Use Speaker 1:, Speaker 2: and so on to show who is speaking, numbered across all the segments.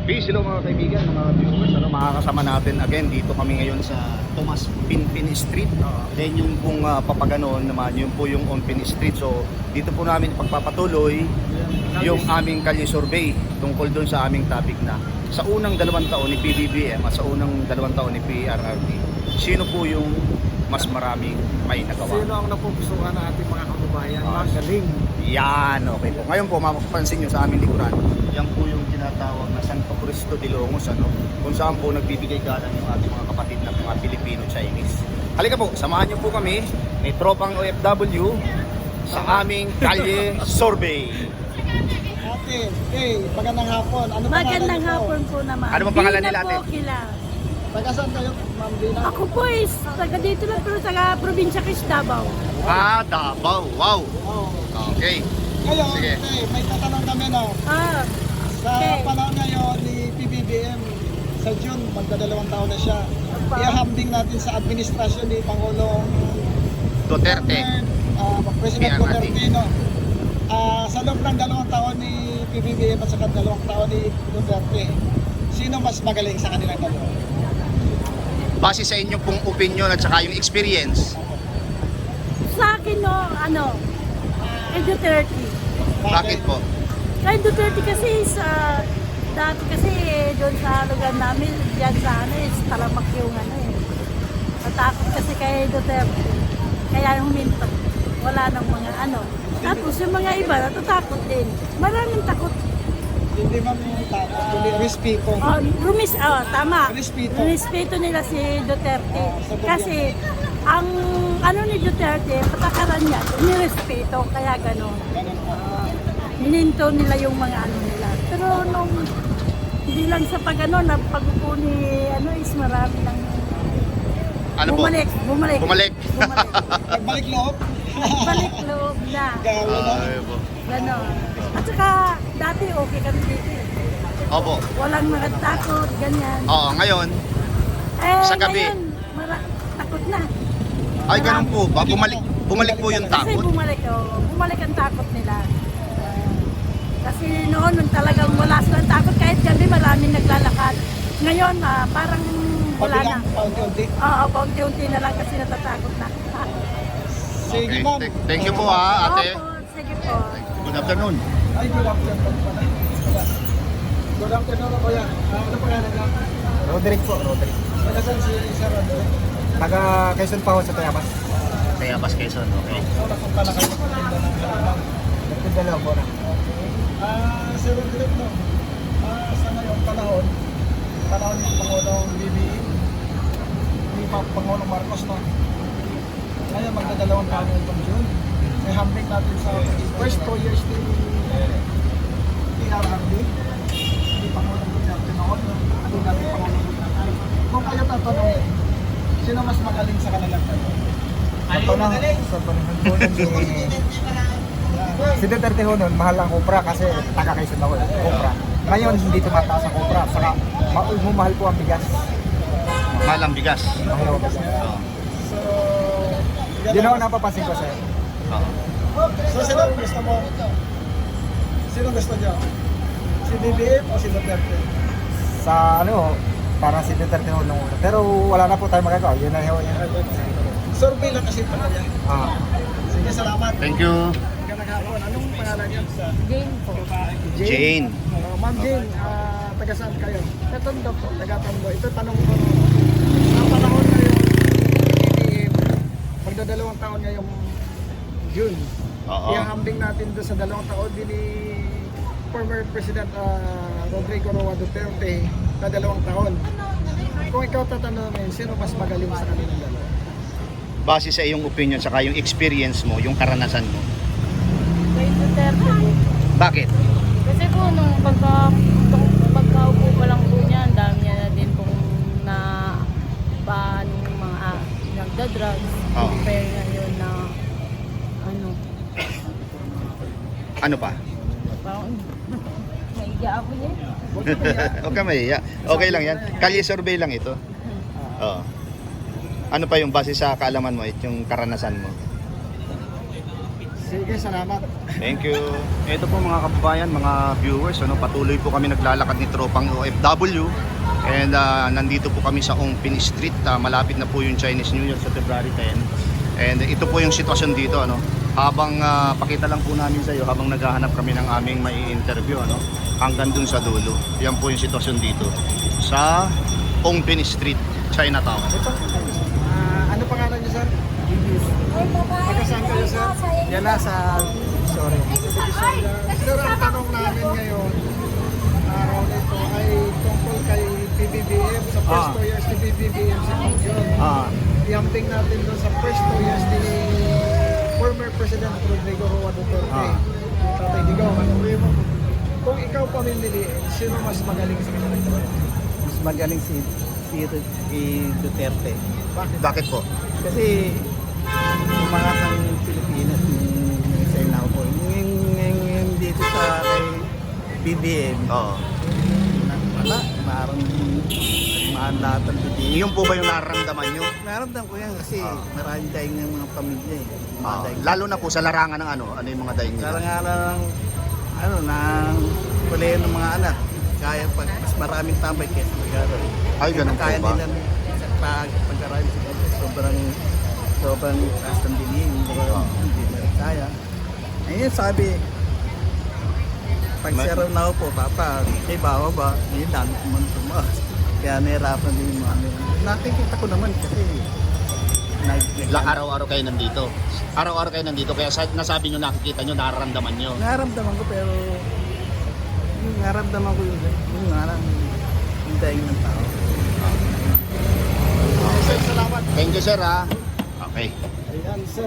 Speaker 1: Peace, hello mga kaibigan, mga viewers. Makakasama natin again dito kami ngayon sa Tomas Pinpin Street. Then yung pong papaganon naman, yun po yung Onpin Street. So dito po namin pagpapatuloy yung aming kalye survey tungkol doon sa aming topic na sa unang 2 taon ni PBBM at sa unang 2 taon ni PRRD, sino po yung mas maraming may nagawa?
Speaker 2: Sino ang napupusuan ng ating mga kababayan? Magaling.
Speaker 1: Yan, okay po. Ngayon po, mapapansin nyo sa aming likuran, yan po yung tinatawag na Santo Cristo de Longos, kung saan po nagbibigay galang yung ating mga kapatid na mga Pilipino-Chinese. Halika po, samahan nyo po kami, may tropang OFW sa aming kalye survey.
Speaker 2: Ate, magandang hapon. Ano
Speaker 3: Magandang hapon po naman.
Speaker 1: Ano bang pangalan nila, ate?
Speaker 3: Dina po kila.
Speaker 2: Taga saan kayo, Ma'am Dina?
Speaker 3: Ako po is taga dito lang pero taga probinsya Quezon, Davao.
Speaker 1: Davao, wow.
Speaker 2: Oh.
Speaker 1: Okay.
Speaker 2: Ngayon,
Speaker 1: Sige.
Speaker 2: may tatanong kami na sa
Speaker 3: Okay.
Speaker 2: panahon ngayon ni PBBM sa June, magdadalawang taon na siya.
Speaker 3: Apa.
Speaker 2: Ihahambing natin sa administrasyon ni Pangulong
Speaker 1: Duterte.
Speaker 2: President
Speaker 1: PRRD.
Speaker 2: Duterte, no? Sa loob ng 2 taon ni PBBM at saka 2 taon ni Duterte, sino mas magaling sa kanilang dalawa?
Speaker 1: Base sa inyong pong opinion at saka yung experience,
Speaker 3: Sa akin no, kay Duterte.
Speaker 1: bakit po?
Speaker 3: Kay Duterte kasi dati kasi doon sa lugar namin, diyan sa is talamak yung Natakot kasi kay Duterte. Kaya huminto. Wala nang mga Tapos yung mga iba natatakot din. Maraming takot.
Speaker 2: Hindi man yung takot, kundi respeto.
Speaker 3: Tama.
Speaker 2: Respeto.
Speaker 3: Respeto nila si Duterte.
Speaker 2: Sagot
Speaker 3: Kasi ang ni Duterte, patakaran niya, nirespeto, kaya gano'n.
Speaker 2: Ganun po.
Speaker 3: Hininto nila yung mga nila. Pero nung hindi lang sa pag-upo ni is marami ng
Speaker 1: Ano po?
Speaker 3: bumalik.
Speaker 1: Bumalik.
Speaker 2: Nagbalik loob.
Speaker 3: Balik loob na.
Speaker 2: Gawa na.
Speaker 1: Ay, po.
Speaker 3: Gano'n. At saka dati okay kami dito.
Speaker 1: Opo.
Speaker 3: Walang nakatakot, ganyan.
Speaker 1: Oo, ngayon, sa gabi.
Speaker 3: Ngayon, takot na.
Speaker 1: ay ganun po ba? Bumalik po yung
Speaker 3: Kasi
Speaker 1: takot.
Speaker 3: bumalik ang takot nila. Kasi noon talagang wala silang takot kahit gabi maraming naglalakad. Ngayon parang wala na.
Speaker 2: Pabilang, paunti-unti.
Speaker 3: Oo, paunti-unti na lang kasi natatakot na.
Speaker 2: Sige,
Speaker 1: Okay.
Speaker 2: ma'am.
Speaker 1: Thank you po ha, ate.
Speaker 3: Opo, sige po.
Speaker 1: Good afternoon.
Speaker 2: Ay, good afternoon pala. Good afternoon, kuya. Ano pangalan lang?
Speaker 4: Roderick po, Roderick.
Speaker 2: Taga saan si Sir Roderick?
Speaker 4: Taga Quezon pa ho sa Tayabas.
Speaker 1: Kaya Bas Quezon, okay.
Speaker 2: So, napunta na kayo sa Patinda ng Lalamang.
Speaker 4: Nagpunta lang po na.
Speaker 2: Sir Roderick, no? Sa ngayong panahon ni Pangulong BBM, ni Pangulong Marcos, no? Ngayon, magdadalawang taon na itong June. May hambing natin sa first 2 years ni PRRD, ni Pangulong Duterte noon, no? Ano natin Pangulong Duterte. Kung kayo tatanungin, sino mas magaling sa kanilang dalawa?
Speaker 4: Sa panahon po nun, si Duterte ho nun, mahal ang Cupra kasi taga Quezon ako, Cupra. Ngayon, hindi tumataas ang Cupra. Saka, mahal po ang bigas.
Speaker 1: Mahal ang bigas.
Speaker 4: Mahal ang bigas.
Speaker 2: So,
Speaker 4: Yun ako napapansin ko sir.
Speaker 1: Oo.
Speaker 2: So, sino gusto mo? Sino gusto niyo? Si BBM o si Duterte?
Speaker 4: Sa parang si Duterte ho nung una. Pero wala na po tayo magagawa. Yun na ho.
Speaker 2: Survey lang kasi ito kanya. Sige, salamat.
Speaker 1: Thank you,
Speaker 2: Magandang hapon. Anong pangalan niyo?
Speaker 3: Jane po.
Speaker 1: Jane.
Speaker 2: Ma'am Jane, taga saan kayo?
Speaker 3: Sa Tondo po.
Speaker 2: Taga Tondo. Ito tanong ko. Sa panahon ngayon, BBM, magdadalawang taon ngayong June.
Speaker 1: Oo.
Speaker 2: Ihahambing natin doon sa 2 taon din ni former President Rodrigo Roa Duterte na 2 taon. Kung ikaw tatanungin, sino mas magaling sa kanilang dalawa?
Speaker 1: Base sa iyong opinion saka yung experience mo, yung karanasan mo.
Speaker 3: Kay Duterte po.
Speaker 1: Bakit?
Speaker 5: Kasi po, nung pagkaupo pa lang po niya, ang dami niya na din pong na paano mga nagda-drugs.
Speaker 1: Oo.
Speaker 5: Compare ngayon na
Speaker 1: Ano pa?
Speaker 5: parang naiga ako niya.
Speaker 1: Huwag ka mahiya. Okay lang yan. Kalye survey lang ito. Oo. Ano pa yung base sa kaalaman mo, yung karanasan mo?
Speaker 2: Sige, salamat.
Speaker 1: Thank you. Ito po mga kababayan, mga viewers, patuloy po kami naglalakad ni tropang OFW. And nandito po kami sa Ongpin Street. Malapit na po yung Chinese New Year sa February 10. And ito po yung sitwasyon dito. Habang pakita lang po namin sa iyo, habang naghahanap kami ng aming may interview, hanggang dun sa dulo. Yan po yung sitwasyon dito sa Ongpin Street, Chinatown.
Speaker 2: Ano pangalan niyo, sir? Taga-saan kayo, sir?
Speaker 4: Yan na sa sorry.
Speaker 2: Sir, ang tanong namin ngayon, araw nito ay tungkol kay PBBM sa first 2 years ni PBBM sa Pangyon. Iambing natin doon sa first 2 years ni former President Rodrigo Roa Duterte. Tatay Digong, kung ikaw pamimiliin, sino mas magaling sa kanila?
Speaker 4: Mas magaling si Duterte.
Speaker 1: Bakit po?
Speaker 4: Kasi umangat ang Pilipinas yung sa inaw po. Yung dito sa kay BBM,
Speaker 1: Oo.
Speaker 4: wala, parang lahat ang BBM.
Speaker 1: Yun po ba yung nararamdaman nyo?
Speaker 4: Naramdam ko yan kasi marami tayong ng mga pamilya eh. Mga daing.
Speaker 1: Lalo na po sa larangan ng ano yung mga daing nila?
Speaker 4: Karang-alang ng kulay ng mga anak. Kaya pag mas maraming tambay kaysa mag-aral.
Speaker 1: Ay, ganun po
Speaker 4: Kaya
Speaker 1: ba?
Speaker 4: nila pag-aral sobrang taas ng bilihin. Hindi na rin kaya. Ayun sabi, pag zero na ako po, papa, kay bawa ba? Hindi dami ko man tumaas. Kaya nahirapan din yung mga nakikita ko naman kasi
Speaker 1: Araw-araw kayo nandito. Araw-araw kayo nandito. Kaya nasabi nyo, nakikita nyo, nararamdaman nyo.
Speaker 4: naramdaman ko pero yung naramdaman ko yung yung daing ng tao.
Speaker 2: Sir, salamat.
Speaker 1: Thank you, sir, ha. Okay.
Speaker 2: Ayan, sir,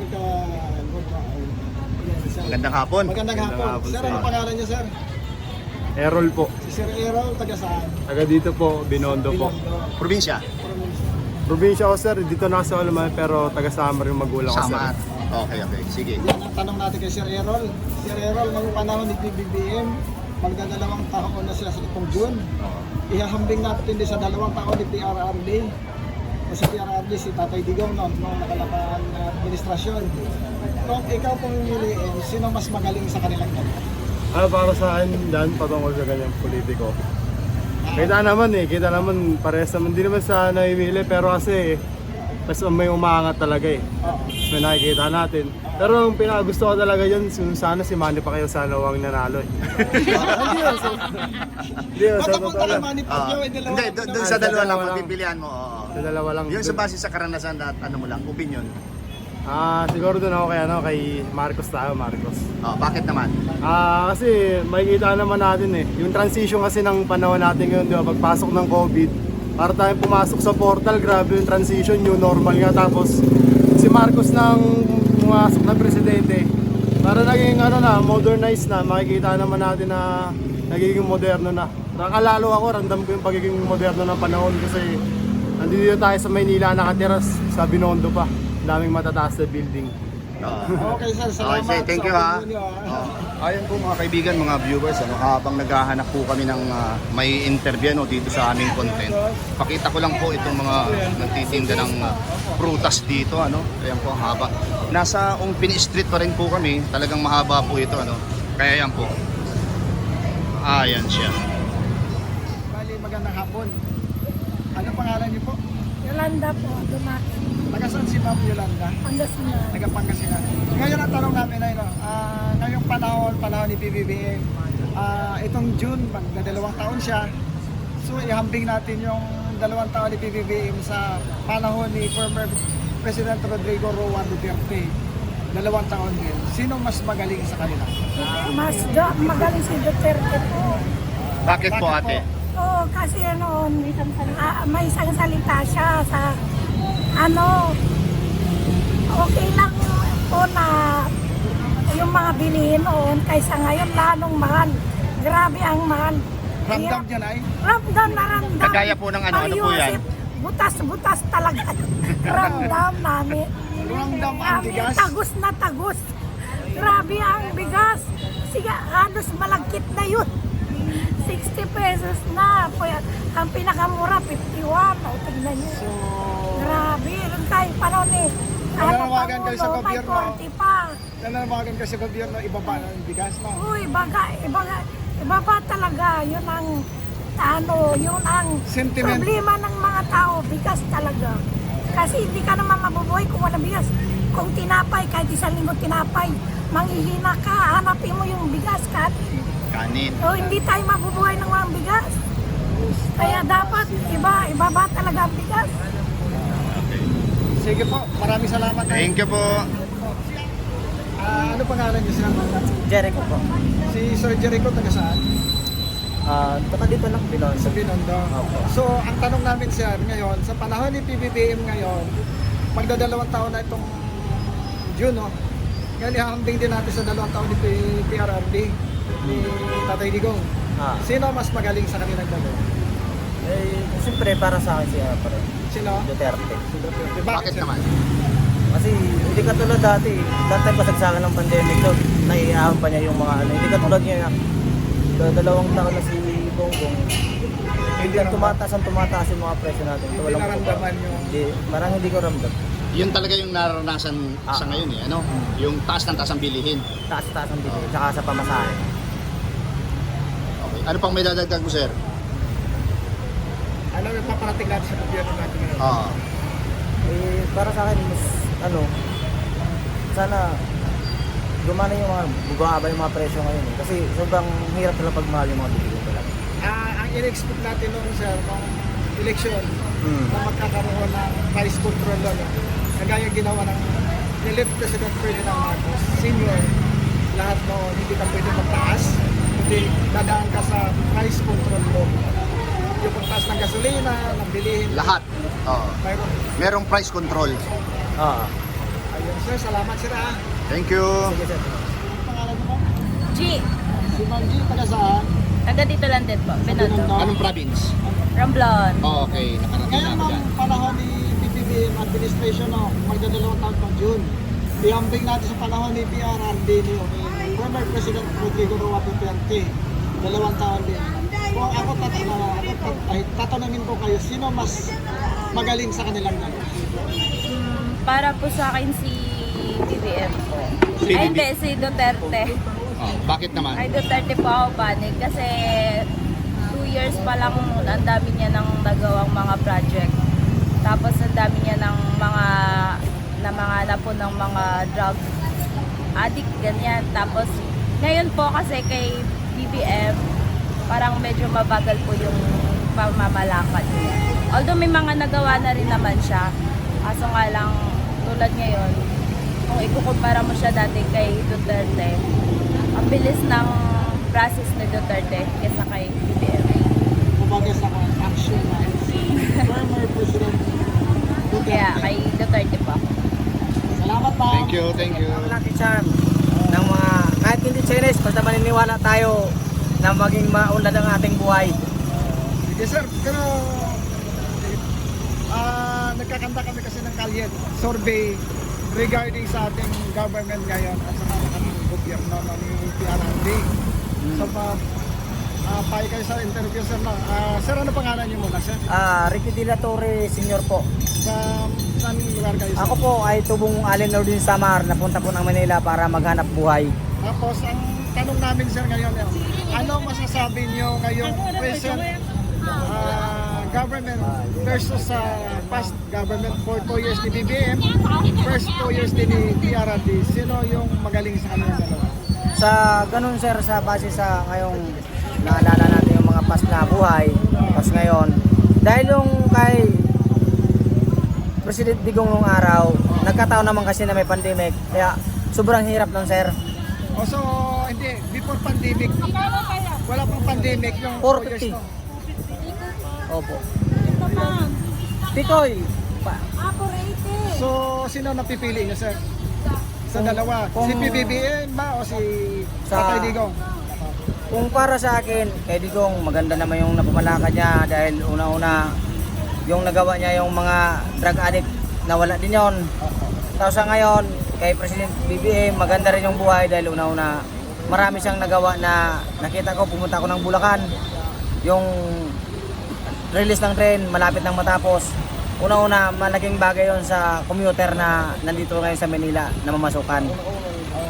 Speaker 1: Magandang hapon.
Speaker 2: Magandang hapon. Sir, ano pangalan niyo, sir?
Speaker 6: Errol po.
Speaker 2: Si Sir Errol, taga saan?
Speaker 6: Taga dito po, Binondo po.
Speaker 1: Probinsya?
Speaker 6: Probinsya ko sir, dito na sa Alaman pero taga Samar yung magulang ko sir.
Speaker 1: Samar. Okay. Sige.
Speaker 2: Yan ang tanong natin kay Sir Errol. Sir Errol, ngayong panahon ni PBBM, magdadalawang taon na siya sa itong June. Ihahambing natin din sa 2 taon ni PRRD. O si PRRD, si Tatay Digong, noong nakalakaan na administrasyon. Kung ikaw pumimiliin, sino mas magaling sa kanilang dalawa?
Speaker 6: Ano para sa akin dan patungkol sa ganyang politiko? Kita naman parehas naman din naman sa namimili pero kasi mas may umaangat talaga eh. May nakikita natin. Pero ang pinakagusto ko talaga dyan, sana si Manny Pacquiao sana wang nanalo eh. Hindi yun, sa totoo lang.
Speaker 1: Hindi, doon sa dalawa lang, pagpipilian mo. Oo.
Speaker 6: Sa dalawa lang.
Speaker 1: Yun sa base sa karanasan at ano mo lang, opinion.
Speaker 6: Siguro doon ako kay Marcos tayo, Marcos.
Speaker 1: Bakit naman?
Speaker 6: Kasi makikita naman natin eh. Yung transition kasi ng panahon natin ngayon, di ba, pagpasok ng COVID, para tayong pumasok sa portal, grabe yung transition, new normal nga. Tapos si Marcos nang pumasok na presidente, para naging modernized na, makikita naman natin na nagiging moderno na. Nakalalo ako, ramdam ko yung pagiging moderno ng panahon kasi nandito tayo sa Maynila, nakatira sa Binondo pa. Daming matataas na building.
Speaker 2: Okay, sir. Salamat.
Speaker 1: Okay, thank you, ha. Ayun po mga kaibigan, mga viewers, habang naghahanap po kami ng may interview dito sa aming content. Pakita ko lang po itong mga nagtitinda ng prutas dito, Ayan po ang haba. Nasa Ongpin Street pa rin po kami. Talagang mahaba po ito, Kaya yan po. Ayan siya.
Speaker 2: Bali, magandang hapon. Ano pangalan niyo po?
Speaker 3: Yolanda po, Dumaki.
Speaker 2: Taga saan si Ma'am Yolanda?
Speaker 3: Pangasinan.
Speaker 2: Taga Pangasinan. Ngayon ang tanong namin ay, ngayong panahon ni PBBM, itong June, magdadalawang taon siya. So, ihambing natin yung 2 taon ni PBBM sa panahon ni former President Rodrigo Roa Duterte. 2 taon din. Sino mas magaling sa kanila?
Speaker 3: Magaling si Duterte po.
Speaker 1: Bakit po, ate?
Speaker 3: Oo, kasi noon, may isang salita siya sa okay lang po na yung mga bilihin noon kaysa ngayon lalong mahal. Grabe ang mahal.
Speaker 2: Ramdam dyan ay?
Speaker 3: Ramdam na ramdam.
Speaker 1: Kagaya po ng ano po yan?
Speaker 3: Butas-butas talaga. Ramdam namin.
Speaker 2: Ramdam ang bigas?
Speaker 3: Tagus na tagus. Grabe ang bigas. Sige, halos malagkit na yun. 60 pesos na. Ang pinakamura, 51. O, tignan nyo. Grabe. Doon tayo panahon eh.
Speaker 2: Nanawagan kayo sa gobyerno?
Speaker 3: May 40 pa.
Speaker 2: nananawagan ka sa gobyerno, ibaba na yung bigas, no?
Speaker 3: Uy, iba ba talaga? Yun ang, yun ang
Speaker 2: Sentiment.
Speaker 3: problema ng mga tao, bigas talaga. Kasi hindi ka naman mabubuhay kung wala bigas. Kung tinapay, kahit isang linggo tinapay, manghihina ka, hanapin mo yung bigas,
Speaker 1: Kanin.
Speaker 3: o hindi tayo mabubuhay ng walang bigas. Kaya dapat ibaba talaga ang bigas.
Speaker 2: Sige po, maraming salamat.
Speaker 1: Thank you po.
Speaker 2: Ano pangalan niyo, sir?
Speaker 4: Jericho po.
Speaker 2: Si Sir Jericho, taga saan?
Speaker 4: Baka dito lang, Pinon.
Speaker 2: Sa Binondo.
Speaker 4: Opo.
Speaker 2: So, ang tanong namin, sir, ngayon, sa panahon ni PBBM ngayon, magdadalawang taon na itong June, no? Ngayon, ihahambing din natin sa 2 taon ni PRRD, ni Tatay Digong. Sino mas magaling sa kanilang dalawa?
Speaker 4: Siyempre para sa akin siya pa rin.
Speaker 2: Sino?
Speaker 4: Duterte.
Speaker 2: Si Duterte.
Speaker 1: Bakit
Speaker 2: sir?
Speaker 1: naman?
Speaker 4: Kasi hindi katulad dati, dati pasagsakan ng pandemic no, naiiyahan pa niya yung mga ano, hindi katulad niya na 2 taon na si Bongbong. Hindi tumataas yung mga presyo natin.
Speaker 2: Hindi
Speaker 4: Walang
Speaker 2: naramdaman yung...
Speaker 4: Hindi, parang hindi ko ramdam.
Speaker 1: Yun talaga yung nararanasan sa ngayon eh, ano? Yung taas ng taas ang bilihin.
Speaker 4: Taas-taas ang bili, tsaka sa pamasahe.
Speaker 1: Okay. Ano pang may dadagdag mo, sir?
Speaker 2: Ano yung paparating natin sa gobyerno natin ngayon?
Speaker 4: Para sa akin, mas, sana gumana yung mga, bumaba yung mga presyo ngayon eh. Kasi sobrang hirap talaga pagmahal yung mga bilihin talaga.
Speaker 2: Ang in-expect natin noon, sir, nung election, na magkakaroon ng price control no? Kagaya ginawa ng nilip President Ferdinand Marcos Senior, lahat noon hindi ka pwede magtaas, hindi dadaan ka sa price control law. Yung pagtaas ng gasolina, ng bilihin,
Speaker 1: Lahat.
Speaker 2: mayroon.
Speaker 1: Merong price control.
Speaker 2: Ayun, sir, salamat, sir.
Speaker 1: Thank you.
Speaker 4: Sige sir.
Speaker 2: Ang pangalan mo?
Speaker 5: G.
Speaker 2: Si Ma'am G, taga saan?
Speaker 5: Taga dito lang din po. Binondo.
Speaker 1: Anong province?
Speaker 5: Ramblon.
Speaker 1: Okay, nakarating na
Speaker 2: Ngayon,
Speaker 1: ako
Speaker 2: ma'am,
Speaker 1: dyan.
Speaker 2: panahon ni PBBM administration, no, magdadalawang taon pang June. Ihambing natin sa panahon ni PRRD ni former President Rodrigo Roa Duterte. 2 taon din. Kung ako tatanungin ko kayo, sino mas magaling sa kanilang dalawa?
Speaker 5: Para po sa akin si BBM po.
Speaker 1: Si
Speaker 5: Ay
Speaker 1: BBM.
Speaker 5: hindi, si Duterte.
Speaker 1: Bakit naman?
Speaker 5: Ay Duterte po ako panig kasi 2 years pa lang ang dami niya ng nagawang mga project. Tapos ang dami niya ng mga po ng mga drug addict, ganyan. Tapos ngayon po kasi kay BBM, parang medyo mabagal po yung pamamalakad niya. Although may mga nagawa na rin naman siya, kaso nga lang tulad ngayon, kung ikukumpara mo siya dati kay Duterte, ang bilis ng process ni Duterte kaysa kay BBM.
Speaker 2: Kumbaga sa action na si former President Duterte.
Speaker 5: Kaya kay Duterte po ako.
Speaker 2: Salamat, ma'am.
Speaker 1: Thank you, thank you.
Speaker 4: Lucky charm ng mga, kahit hindi Chinese, basta maniniwala tayo na maging maunlad ang ating buhay.
Speaker 2: Sige, sir. Pero nagkakanta kami kasi ng kalye survey regarding sa ating government ngayon at sa mga gobyerno ni PRRD. So, pahay kayo sa interview, sir. Sir, ano pangalan niyo muna, sir?
Speaker 4: Ricky De La Torre Senior po.
Speaker 2: Saan lugar kayo, sir?
Speaker 4: Ako po ay tubong Allen Ordin Samar, napunta po ng Manila para maghanap buhay.
Speaker 2: Tapos, ang tanong namin, sir, ngayon, ano masasabi niyo ngayong present government versus sa past government for 2 years ni BBM, first 2 years din ni PRRD? Sino yung magaling sa kanilang dalawa?
Speaker 4: Sa ganun sir, sa base sa ngayong naalala natin yung mga past na buhay, past ngayon, dahil yung kay President Digong nung araw, nagkataon naman kasi na may pandemic, kaya sobrang hirap nun sir.
Speaker 2: So, hindi, before pandemic, wala pang pandemic yung 2 years
Speaker 4: 450.
Speaker 2: no?
Speaker 4: Opo. Tikoy.
Speaker 2: So, sino napipili niyo, sir? Sa dalawa? Si PBBM ba o si Tatay Digong?
Speaker 4: Kung para sa akin, kay Digong, maganda naman yung napamalakad niya dahil una-una, yung nagawa niya yung mga drug addict, nawala din yon. Tapos sa ngayon, kay President BBM, maganda rin yung buhay dahil una-una, marami siyang nagawa na nakita ko, pumunta ako ng Bulacan, yung release ng train, malapit nang matapos. Una-una, malaking bagay yon sa commuter na nandito ngayon sa Manila na mamasukan.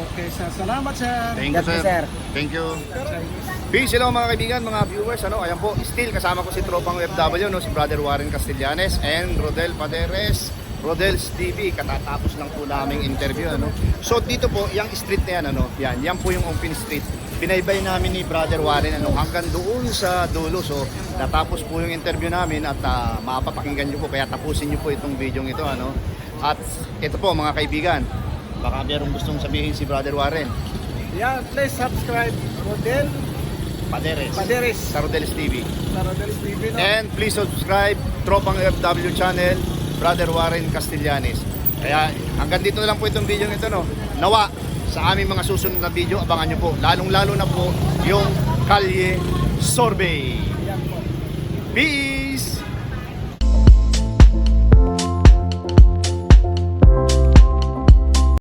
Speaker 2: Okay, sir. Salamat, sir.
Speaker 1: Thank you,
Speaker 4: God bless,
Speaker 1: sir.
Speaker 4: sir.
Speaker 1: Thank you. Peace, hello mga kaibigan, mga viewers. Ayan po, still kasama ko si tropang OFW, no, si Brother Warren Castellanes and Rodel Paderes, Rodel's TV. Katatapos lang po naming interview, ano. So dito po, yung street na yan, ano, yan po yung open street. Binaybay namin ni Brother Warren, ano, hanggang doon sa dulo. So natapos po yung interview namin at mapapakinggan nyo po, kaya tapusin nyo po itong video ito, ano. At ito po mga kaibigan, baka merong gustong sabihin si Brother Warren.
Speaker 2: Yeah, please subscribe Rodel Paderes
Speaker 1: Sa Rodel's TV.
Speaker 2: sa Rodel's TV. No?
Speaker 1: And please subscribe Tropang FW channel, Brother Warren Castellanes. Kaya hanggang dito na lang po itong video nito, no. Nawa sa aming mga susunod na video, abangan nyo po. Lalong-lalo na po yung Kalye Sorbet.
Speaker 2: Yan po.
Speaker 1: Peace!